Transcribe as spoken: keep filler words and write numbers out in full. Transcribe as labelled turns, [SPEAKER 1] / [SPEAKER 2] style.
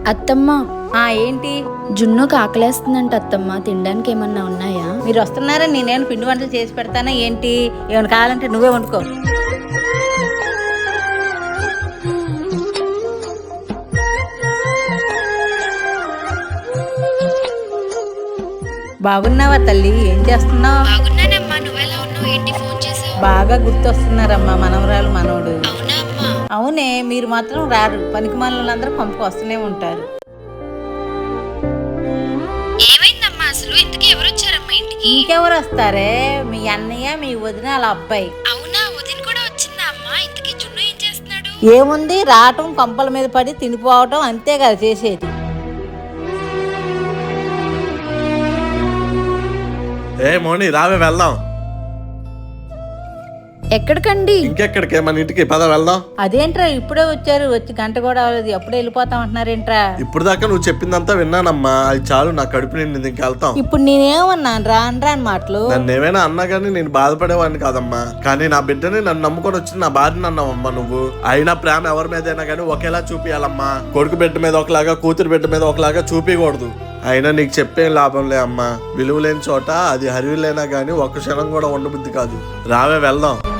[SPEAKER 1] అత్తమ్మ,
[SPEAKER 2] ఆ ఏంటి
[SPEAKER 1] జున్నుకు ఆకలేస్తుందంట అత్తమ్మ. తినడానికి ఏమన్నా ఉన్నాయా?
[SPEAKER 2] మీరు వస్తున్నారా? నేనేమైనా పిండి వంటలు చేసి పెడతానా ఏంటి? ఏమైనా కావాలంటే నువ్వే వండుకో. బాగున్నావా తల్లి? ఏం చేస్తున్నావు?
[SPEAKER 1] బాగున్నానమ్మా, నువ్వెలా ఉన్నావు? ఏంటి ఫోన్ చేసావు?
[SPEAKER 2] బాగా గుర్తొస్తున్నారమ్మా మనవరాలు మనవడు.
[SPEAKER 1] అవునా అమ్మా?
[SPEAKER 2] అవునే, మీరు మాత్రం రారు. పనికి మనలందరూ పంపకు వస్తూనే ఉంటారు.
[SPEAKER 1] ఏమైందమ్మా అసలు? ఇంతకీ ఎవరు వచ్చారమ్మా ఇంటికి?
[SPEAKER 2] ఇంకెవరు వస్తారే? మీ అన్నయ్య, మీ వదిన, వాళ్ళ అబ్బాయి.
[SPEAKER 1] అవునా, వదిన కూడా వచ్చిందా అమ్మా? ఇంతకీ జున్ను ఏం చేస్తున్నాడు?
[SPEAKER 2] ఏముంది, రావటం కంపల మీద పడి తినిపోవటం అంతే కదా చేసేది.
[SPEAKER 3] ఏ మోని రావే వెళ్దాం.
[SPEAKER 1] ఎక్కడికండి?
[SPEAKER 3] ఇంకెక్కడికే, మన ఇంటికి పద వెళ్దాం.
[SPEAKER 2] అదేంట్రా ఇప్పుడే వచ్చారు? వచ్చి గంట కూడా అవ్వలేదు, ఎప్పుడే వెళ్ళిపోతాం అంటున్నారేంట్రా?
[SPEAKER 3] ఇప్పుడు దాకా నువ్వు చెప్పిందంతా విన్నానమ్మా, అది చాలు, నా కడుపు నిండింది, ఇంకెళ్తాం.
[SPEAKER 2] ఇప్పుడు నేనేమన్నాను రా అనరా అని మాటలు?
[SPEAKER 3] నన్ను ఏమైనా అన్నా కానీ నేను బాధపడేవాడిని కాదమ్మా, కానీ నా బిడ్డని నన్ను నమ్ముకొని వచ్చింది నా భార్యని అన్నావమ్మా నువ్వు. అయినా ప్రేమ ఎవరి మీదైనా కానీ ఒకేలా చూపియాలమ్మా. కొడుకు బిడ్డ మీద ఒకలాగా, కూతురు బిడ్డ మీద ఒకలాగా చూపించకూడదు. అయినా నీకు చెప్పేం లాభం లే అమ్మా, విలువ లేని చోట అది హరివిలేనా కానీ ఒక్క క్షణం కూడా ఉండబుద్ధి కాదు. రావే వెళ్దాం.